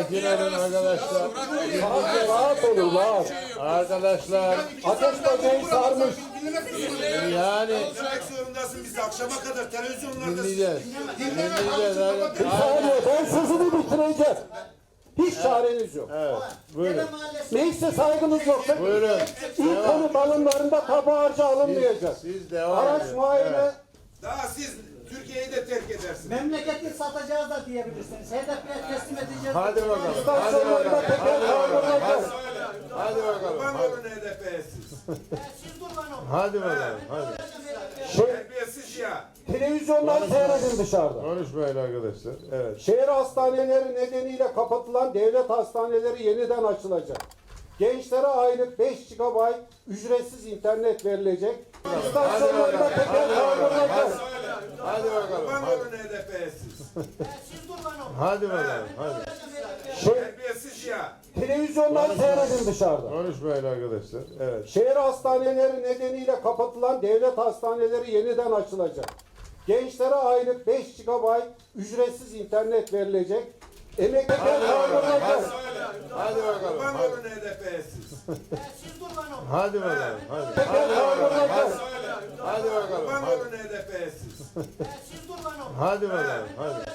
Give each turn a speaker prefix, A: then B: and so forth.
A: Sakin olun arkadaşlar.
B: Rahat olun, rahat.
A: Arkadaşlar
B: Ateş böceği sarmış.
A: yani
C: Konuşmak zorundasın biz akşama kadar televizyonlarda.
A: dinleyeceğiz. Dinleyeceğiz.
B: Bir saniye, ben sözümü bitireceğim. Hiç çareniz yok.
A: Evet. Buyurun.
B: Neyse saygınız yoksa
A: Buyurun.
B: ilk konu balonlarında tabu harcı alınmayacak.
A: Siz devam
B: Araç
A: edin.
B: muayene,
A: Evet.
C: Daha siz Türkiye'yi de terk edersiniz.
D: Memleketi satacağız da diyebilirsiniz. HDP'ye teslim edeceğiz.
A: Hadi bakalım. Hadi
B: istasyonlarda
A: bakalım.
B: teker
A: Hadi bakalım.
B: kaldırılacak.
A: Hadi bakalım.
C: Kurban
A: Hadi,
C: olun HDP'ye siz.
D: Siz kurban olun.
A: hadi bakalım. Hadi.
C: Terbiyesiz ya.
B: Televizyondan seyredin dışarıda.
A: Konuşmayın arkadaşlar. Evet.
B: Şehir hastaneleri nedeniyle kapatılan devlet hastaneleri yeniden açılacak. Gençlere aylık 5 GB ücretsiz internet verilecek. İstasyonlarda teker kaldırılacak.
A: Hadi bakalım.
C: Kurban
A: Hadi,
C: olun HDP'ye siz.
D: Siz kurban olun.
A: hadi bakalım. Hadi.
C: Terbiyesiz ya.
B: Televizyondan seyredin dışarıda.
A: Konuşmayın arkadaşlar. Evet.
B: Şehir hastaneleri nedeniyle kapatılan devlet hastaneleri yeniden açılacak. Gençlere aylık 5 GB ücretsiz internet verilecek. Emekliler kaldırılacak.
A: Hadi bakalım.
C: Kurban
A: Hadi,
C: olun HDP'ye siz.
D: Siz kurban olun.
A: hadi bakalım. Hadi.
B: Teker kaldırılacak.
A: Hadi bakalım.
C: Kurban
A: Hadi,
C: olun HDP'ye siz.
D: Siz kurban olun.
A: hadi bakalım. Hadi.